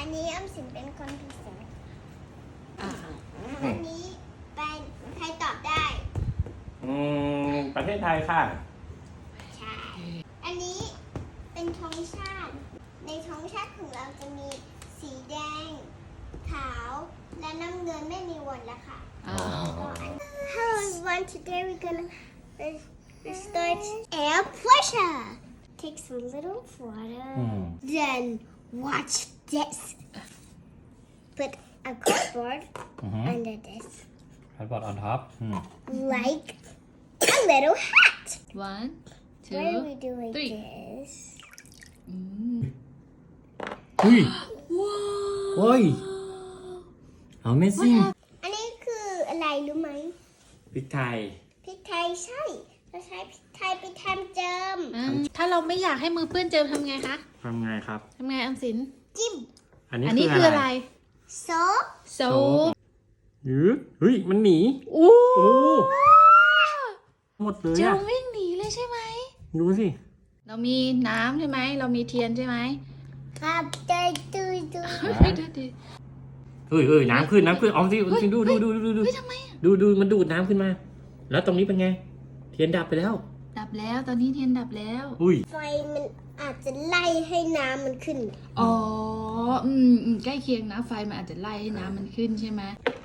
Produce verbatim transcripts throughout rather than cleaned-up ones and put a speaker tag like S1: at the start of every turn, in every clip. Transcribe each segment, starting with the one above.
S1: นนี้ออมสินเป็นคนพิเศษ
S2: อ่า
S1: อันนี้เป็นใครตอบได้
S3: อืมประเทศไทยค่ะ
S1: ใช่ อันนี้เป็นธงชาติ ในธงชาติของเราจะมีสีแดง ขาว และน้ำเงินไม่มีวนแล้วค่ะ
S2: อ่า
S1: Hello everyone, today we're gonna start air pressure. Take some little water,
S3: Mm.
S1: then watch this. Put a cardboard
S3: Mhm.
S1: under this,
S3: Cardboard on top อืม
S1: like a little hat.
S2: one two
S1: Why do we do like
S2: three.
S1: this?
S2: อืม
S3: เฮ้ย
S2: ว้าว
S3: เฮ้ย Amazing
S1: อันนี้คืออะไรรู้ไหม
S3: พริกไทย
S1: พริกไทยใช่เราใช้พริกไทยไปทำเจิม
S2: อืมถ้าเราไม่อยากให้มือเปื้อนเจิมทำไงคะ
S3: ทำไงครับ
S2: ทำไงออมสิน
S1: จิ้ม
S3: อันนี้
S2: อันนี้
S3: คื
S2: คือ อ
S3: อะ
S2: อะไร ไร
S1: โซป
S2: โซ
S3: โซป หรือเฮ้ย มันหนี
S2: โอ้
S3: โอ้หมดเลย
S2: เจิ
S3: อะ
S2: มวิ่งหนีเลยใช่ไหม
S3: ดูสิ
S2: เรามีน้ำใช่ไหม เรามีเทียนใช่ไหม
S1: ครับได้ดูดู
S2: ไม่ได้ดิ
S3: เฮ้ยเฮ้ยน้ำขึ้น น้ำขึ้นออมสิออมสิดูดูดูดูดู
S2: เฮ้ยทำไมอะ
S3: ดูดูมันดูดน้ำขึ้นมา แล้วตรงนี้เป็นไง เทียนดับไปแล้ว
S2: ดับแล้วตอนนี้เทียนดับแล้ว
S3: อุ้ย
S1: ไฟมันอาจจะไล่ให้น้ำมันขึ้น
S2: อ๋ออืมอืมใกล้เคียงนะไฟมันอาจจะไล่ให้น้ำมันขึ้นใช่ไหม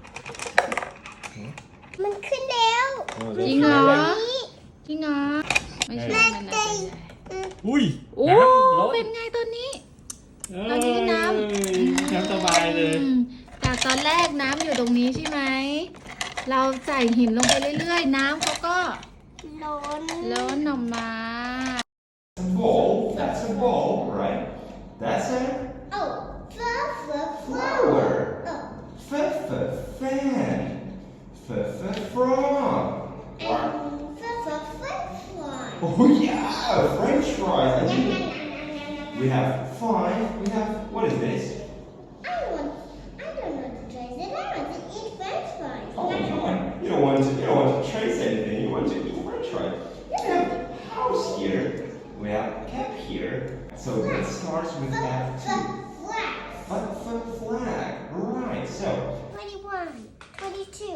S1: มันขึ้นแล้ว
S2: จริงเหรอ
S1: อันนี้
S2: จริงเหรอไม่ใช่มันอาจจะ
S3: อุ้ย
S2: โอ้
S3: น้ำล้น
S2: เป็นไงตอนนี้
S3: เอ้ย
S2: ตอนนี้น้ำ
S3: น้ำสบายเลย
S2: อืมจากตอนแรกน้ำอยู่ตรงนี้ใช่ไหม เราใส่หินลงไปเรื่อยๆ น้ำเขาก็
S1: ล้น
S2: ล้นออกมา
S4: A bowl, that's a bowl, right? That's a
S1: โอ้ฟ้าฟ้าฟ้า
S4: flower.
S1: โอ้
S4: F f fan. F f frog.
S1: เอ็มฟ้าฟ้าฟ้าฟ้า
S4: Oh yeah, French fries. And you- we have five. We have what is this?
S1: I want I don't know to trace it. I want to eat French fries.
S4: Oh come on, you don't want to. You don't want to trace anything. You want to eat French fries. We have house here. We have cap here. So it starts with F two.
S1: Flag.
S4: F f flag. Right. So
S1: Twenty-one, twenty-two.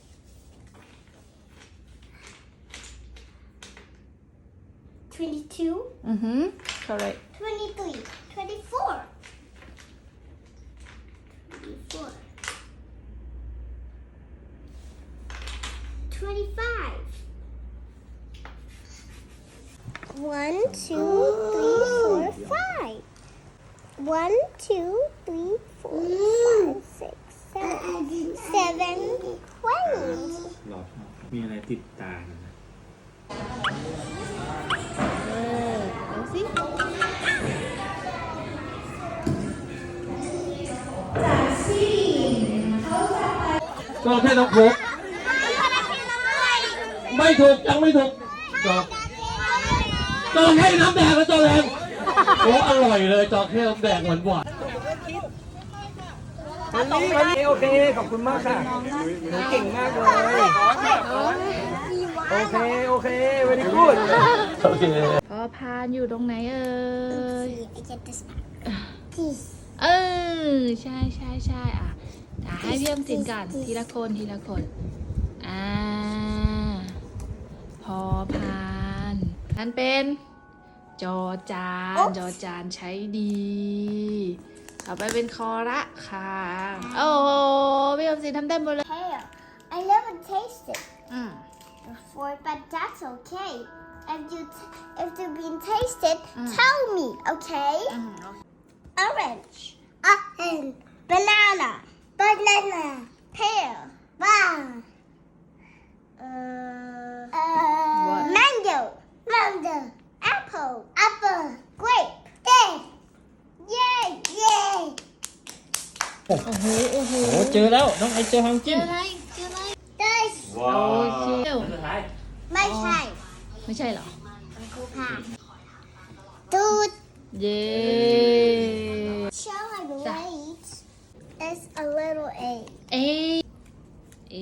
S1: Twenty-two,
S2: อือหือ correct
S1: twenty-three, twenty-four. Twenty-four. Twenty-five. One, two, three, four, five. One, two, three, four, five, six, seven, seven, twenty.
S3: หลอดมีอะไรติดตานะ
S2: เออเอาสิ
S3: ก็แค่ต้องพกไม่ถูกยังไม่ถูกจอกจอกให้น้ำแดงแล้วจอกแดงโอ้อร่อยเลยจอกให้น้ำแดงหวานหวาน
S5: วันนี้วันนี้โอเค ขอบคุณมากค่ะหนูเก่งมากเลย โอเค โอเค very good
S3: โอเค
S2: พอพานอยู่ตรงไหนเอ่ย
S1: I get this back. This.
S2: เออ ใช่ใช่ใช่อ่ะอ่ะให้พี่อมสินก่อนทีละคนทีละคน อ่า พอพานนั่นเป็น จอจาน
S1: Oops
S2: จอจานใช้ดี ต่อไปเป็นคอระค่ะ โอ้โหพี่อมสินทำได้หมดเลย
S1: Pear. I never tasted
S2: อืม
S1: before, but that's okay. If you t- if you've been tasted,
S2: Mm.
S1: tell me, okay?
S2: อืม
S1: Orange, orange, banana, banana, pear, wow. Uh,
S2: What?
S1: mango, mango, apple, apple, grape, grape. Yay, yay.
S2: โอ้โห โอ้โห
S3: โอ้เจอแล้วน้องไอเจอฮัง
S2: เจ
S3: จิ้
S2: อ
S3: ม
S2: อะไร เจออะไร
S1: This
S3: ว้า
S2: โอเค
S3: สุดท้าย
S1: my time.
S2: ไม่ใช่เหรอ
S1: Dude,
S2: เย้
S1: shall I wait? It's a little A.
S2: เอ เอ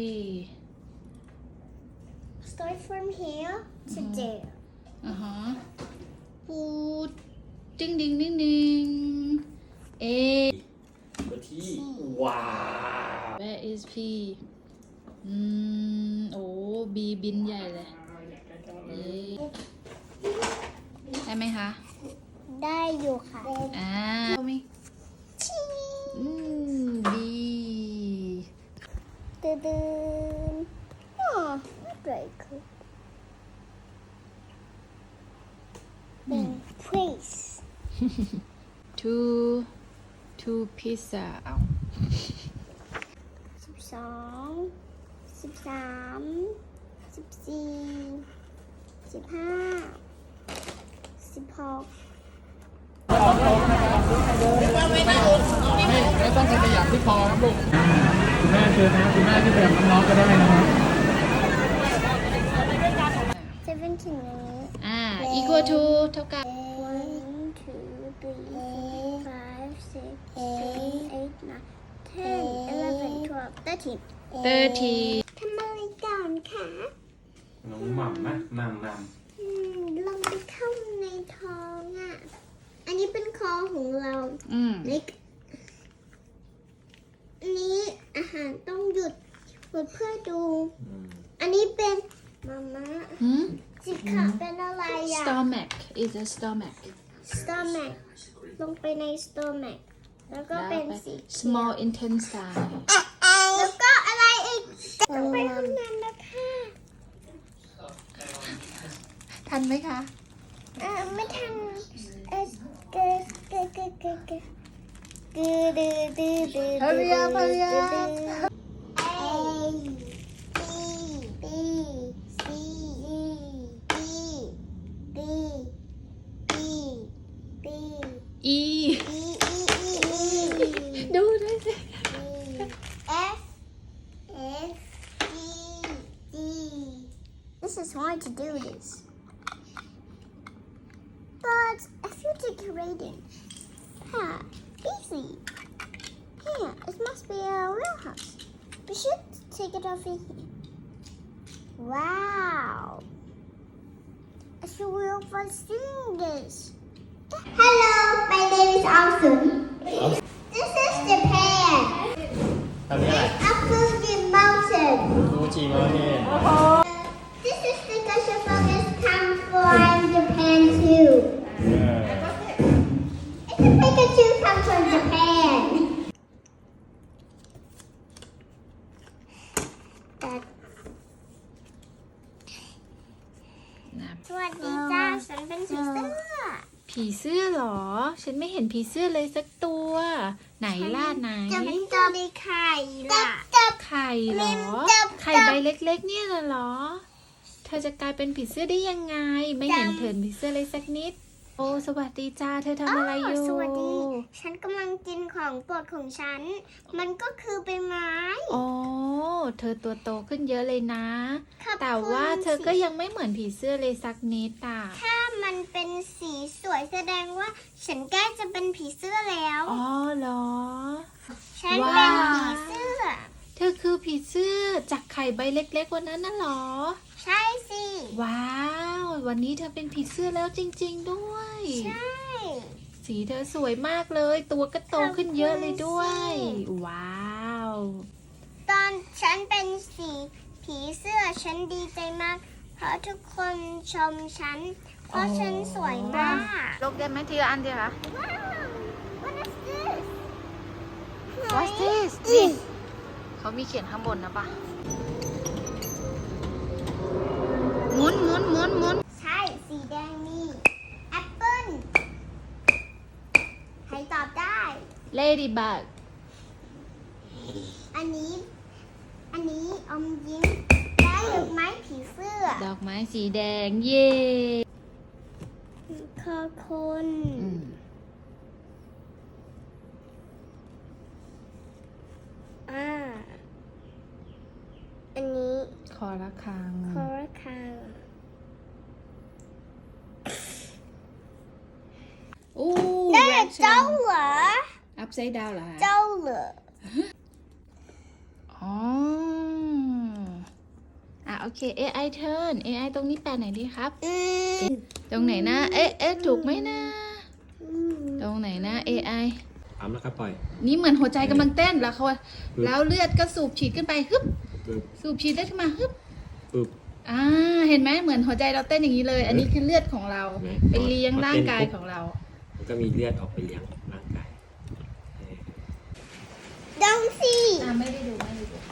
S1: Start from here to there.
S2: อ่าฮะปูดดิ้งดิ้งดิ้งดิ้งเอ is P อืม โอ้ B บินใหญ่เลยเอ๊ะได้ไหมคะ
S1: ได้อยู่ค่ะ
S2: อ่าเอาไหมอืม B
S1: ตึ๊ดๆอ๋อ not very cool เป็น place
S2: two two pizza เอา
S1: สิบสองสิบสามสิบสี่สิบห้าสิบหก
S5: ไม่ต้องขยับที่คอครับลูกคุณแม่เชิญนะคุณแม่ที่แบบน้องๆก็ได้นะครับ
S1: เซเว่นถึงอันนี้
S2: อ่า equal to เท่ากับ
S1: one two three four five six seven eight nine ten eleven twelve thirteen
S2: thirty
S1: ทำอะไรก่อนคะ
S3: น้องหม่ำนะหม่ำหม่
S1: อืมลงไปเข้าในท้องอ่ะ อันนี้เป็นคอของเรา
S2: อืม
S1: เล็กอันนี้อาหารต้องหยุดหยุดเพื่อดู อันนี้เป็นมาม่า
S2: หืม
S1: สีขาวเป็นอะไรอ่ะ
S2: stomach is a stomach
S1: stomach ลงไปใน stomach แล้วก็เป็นสีเขียว
S2: small intestine
S1: แล้วก็อะไรอีกต้องไปห้องน้ำแล้วค่ะ
S2: ทันไหมคะ
S1: เออไม่ทันเออเกอเกอเกอเกอเกอดือดือดือดือ
S2: Hurry up, hurry up.
S1: A B B C D B B B
S2: E
S1: E E E
S2: ดูด้วยสิ
S1: F F G D This is hard to do this but I feel decorating huh easy here it must be a real house we should take it over here wow I feel real fun seeing this hello my name is Awesome this is Japan
S5: ทำยังไง
S1: Up Fuji Mountain
S5: ฟูจิมาเนี่ย
S1: This is the Gusher Focus come from Japan too. It's a Pikachu come from Japan. That
S2: นะ
S1: สวัสดีจ้าฉันเป็นผีเสื้อ
S2: ผีเสื้อเหรอ ฉันไม่เห็นผีเสื้อเลยสักตัว ไหนล่ะไหน
S1: จะเป็นตัวในไข่ล่ะจับ
S2: ไข่เหรอ
S1: จับ
S2: ไข่ใบเล็กๆ เนี่ยน่ะเหรอ เธอจะกลายเป็นผีเสื้อได้ยังไง ไม่เห็นเถินผีเสื้อเลยสักนิด โอ้สวัสดีจ้า เธอทำอะไรอยู่
S1: สวัสดี ฉันกำลังกินของโปรดของฉัน มันก็คือใบไม้
S2: โอ้เธอตัวโตขึ้นเยอะเลยนะ
S1: ขอบคุณ
S2: แต่ว่าเธอก็ยังไม่เหมือนผีเสื้อเลยสักนิดอ่ะ
S1: ถ้ามันเป็นสีสวยแสดงว่า ฉันใกล้จะเป็นผีเสื้อแล้ว
S2: อ๋อเหรอ
S1: ฉันเป็นผีเสื้อ
S2: เธอคือผีเสื้อจากไข่ใบเล็กๆวันนั้นน่ะเหรอ
S1: ใช่สิ
S2: ว้าว วันนี้เธอเป็นผีเสื้อแล้วจริง ๆ ด้วย
S1: ใช่
S2: สีเธอสวยมากเลย ตัวก็โตขึ้นเยอะเลยด้วย
S1: ขอบคุณสิ
S2: ว้าว
S1: ตอนฉันเป็นสีผีเสื้อฉันดีใจมาก เพราะทุกคนชมฉัน เพราะฉันสวยมาก
S2: ลกได้ไหมทีละอันเดียวคะ
S1: ว้าว what is this
S2: What's this นี่เขามีเขียนข้างบนนะปะหมุนหมุนหมุนหมุน
S1: ใช่ สีแดงนี่แอปเปิ้ลใครตอบได้
S2: Ladybug
S1: อันนี้ อันนี้อมยิ้มและดอกไม้ผีเสื้อ
S2: ดอกไม้สีแดง เย่
S1: คอคน
S2: อืม
S1: อ่า อันนี้
S2: คอระฆัง
S1: คอระฆัง
S2: โอ้
S1: นั่นแหละเจ้าเหรอ
S2: อัพไซด์ดาวเหรอคะ
S1: เจ้าเหรอ
S2: อ๋อ อ่ะโอเค เอ ไอ turn เอ ไอ ตรงนี้แปลไหนดีครับ
S1: อืม
S2: ตรงไหนนะ เอ๊ะเอ๊ะถูกไหมนะ
S1: อืม
S2: ตรงไหนนะ เอ ไอ
S3: ปั๊มแล้วก็ปล่อย
S2: นี่เหมือนหัวใจกำลังเต้นแล้วเขา
S3: ปึ๊บ
S2: แล้วเลือดก็สูบฉีดขึ้นไปฮึบ
S3: ปึ๊บ
S2: สูบฉีดได้ขึ้นมาฮึบ
S3: ปึ๊บ
S2: อ่าเห็นไหมเหมือนหัวใจเราเต้นอย่างนี้เลย อันนี้คือเลือดของเรา
S3: เห็นไหม
S2: ไปเลี้ยง
S3: พอ
S2: ร่างกาย
S3: เต้นปุ๊บ
S2: ของเรา
S3: มันก็มีเลือดออกไปเลี้ยงร่างกายเออ
S1: ดองสิ
S2: อ่าไม่ได้ดูไม่ได้ดู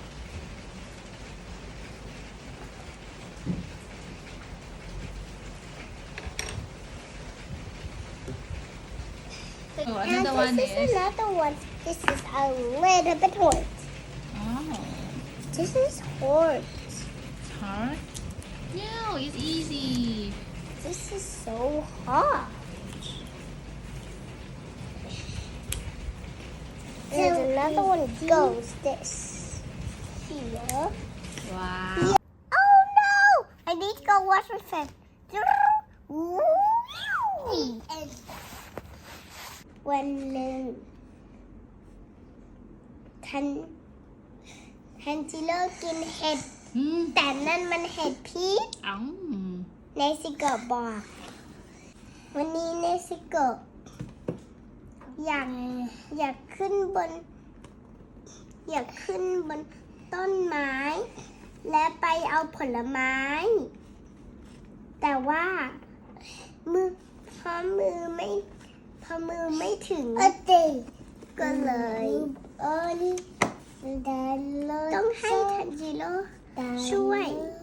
S2: โอ้
S1: And
S2: another one
S1: this is
S2: is
S1: another one. This is a little bit hard.
S2: อ๋อ
S1: This is hard.
S2: hard no it's easy
S1: This is so hard. And another one goes this. Here.
S2: ว้าว
S1: Oh no! I need to go wash my face. When um, Tan Tanjiro กินเห็ด
S2: อืม
S1: แต่นั่นมันเห็ดพิษ
S2: อ๋อ
S1: เนซิโกะบอก วันนี้เนซิโกะอยากอยากขึ้นบน อยากขึ้นบนต้นไม้ และไปเอาผลไม้ แต่ว่ามือพอมือไม่พอมือไม่ถึงก็เลยต้องให้ทันจิโร่ช่วย